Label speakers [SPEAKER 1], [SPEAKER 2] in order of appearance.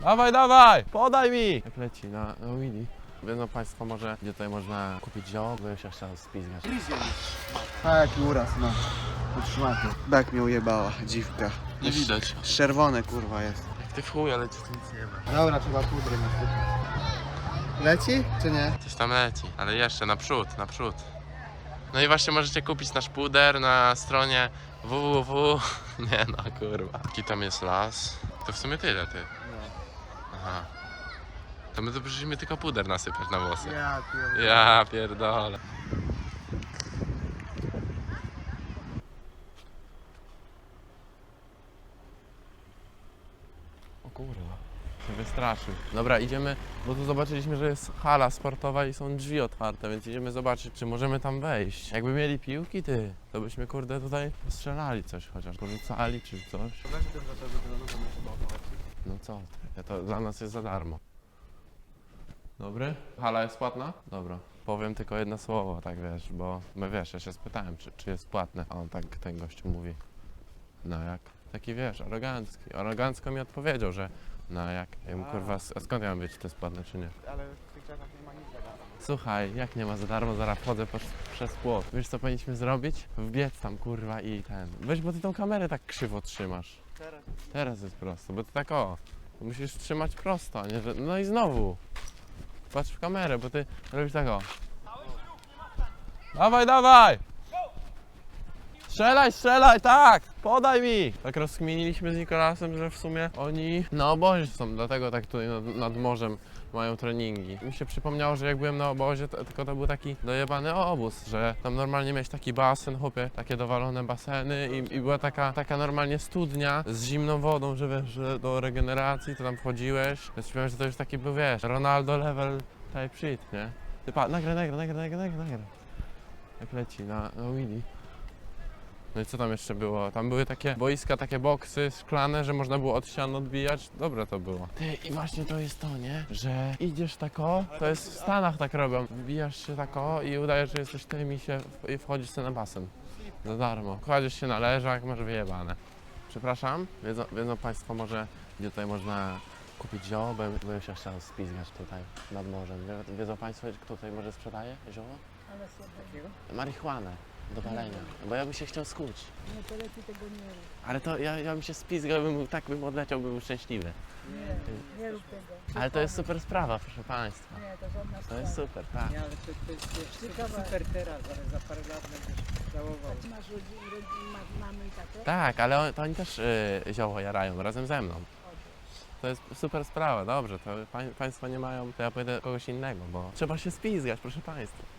[SPEAKER 1] Dawaj, dawaj! Podaj mi! Jak leci na Willy. Wiedzą Państwo może, gdzie tutaj można kupić zioło, bo już się chciał spizgać.
[SPEAKER 2] A jaki uraz, no. Utrzymaty. Bek mnie ujebała, dziwka.
[SPEAKER 1] Nie widać.
[SPEAKER 2] Czerwone kurwa jest.
[SPEAKER 1] Jak ty w chuj, ale tu nic nie ma.
[SPEAKER 2] Dobra, trzeba pudry nasypać. Leci, czy nie?
[SPEAKER 1] Coś tam leci, ale jeszcze naprzód, naprzód. No i właśnie możecie kupić nasz puder na stronie www. Nie no, kurwa. Taki tam jest las. To w sumie tyle, ty. Aha. To my tu przyszliśmy tylko puder nasypać na włosy. Ja pierdolę. O kurwa, się wystraszył. Dobra, idziemy, bo tu zobaczyliśmy, że jest hala sportowa i są drzwi otwarte, więc idziemy zobaczyć, czy możemy tam wejść. Jakby mieli piłki, ty, to byśmy kurde tutaj strzelali coś chociaż, porzucali czy coś. No co ty, to dla nas jest za darmo. Dobry? Hala jest płatna? Dobra. Powiem tylko jedno słowo, tak wiesz, bo wiesz, ja się spytałem, czy jest płatne, a on tak, ten gościu mówi, no jak? Taki wiesz, arogancki. Arogancko mi odpowiedział, że no jak? Ja mu kurwa, a skąd ja mam wiedzieć, czy to jest płatne, czy nie?
[SPEAKER 2] Ale w tych czasach nie ma nic za darmo.
[SPEAKER 1] Słuchaj, jak nie ma za darmo, zaraz wchodzę przez płot. Wiesz co powinniśmy zrobić? Wbiec tam kurwa i ten. Weź, bo ty tą kamerę tak krzywo trzymasz. Teraz jest prosto, bo ty tak o. Musisz trzymać prosto, a nie że... No i znowu. Patrz w kamerę, bo ty robisz tak o. Dawaj, dawaj! Strzelaj, strzelaj, tak! Podaj mi! Tak rozkminiliśmy z Nikolasem, że w sumie oni na obozie są, dlatego tak tutaj nad morzem mają treningi. Mi się przypomniało, że jak byłem na obozie, tylko to był taki dojebany obóz, że tam normalnie miałeś taki basen, chłopie, takie dowalone baseny i była taka normalnie studnia z zimną wodą, że wiesz, że do regeneracji to tam wchodziłeś. Więc wiem, że to już taki był, wiesz, Ronaldo level type shit, nie? Ty pa, nagraj. Jak leci na Willy. No i co tam jeszcze było? Tam były takie boiska, takie boksy szklane, że można było od ścian odbijać. Dobre to było. Ty, i właśnie to jest to, nie? Że idziesz tako, to jest w Stanach tak robią. Wbijasz się tako i udajesz, że jesteś tym i wchodzisz sobie na basen. Za darmo. Kładziesz się na leżak, masz wyjebane. Przepraszam, wiedzą Państwo może, gdzie tutaj można kupić zioło, bo bym się chciał spizgać tutaj nad morzem. Wiedzą Państwo, kto tutaj może sprzedaje zioło?
[SPEAKER 3] Ale sobie.
[SPEAKER 1] Marihuanę do palenia, bo ja bym się chciał skuć.
[SPEAKER 3] Nie, to lepiej tego nie rób.
[SPEAKER 1] Ale to ja bym się spizgał, bym odleciał, bym był szczęśliwy.
[SPEAKER 3] Nie rób tego.
[SPEAKER 1] Ale to jest super sprawa, proszę Państwa.
[SPEAKER 3] Nie, to żadna
[SPEAKER 1] To
[SPEAKER 3] sprawa.
[SPEAKER 1] jest super, tak.
[SPEAKER 4] Nie, ale to jest
[SPEAKER 3] Ciekawe.
[SPEAKER 4] super teraz, ale za parę lat będziesz żałował.
[SPEAKER 3] A ty masz mamy i tatę?
[SPEAKER 1] Tak, ale to oni też zioło jarają razem ze mną. To jest super sprawa, dobrze, to Państwo nie mają, to ja pójdę kogoś innego, bo trzeba się spizgać, proszę Państwa.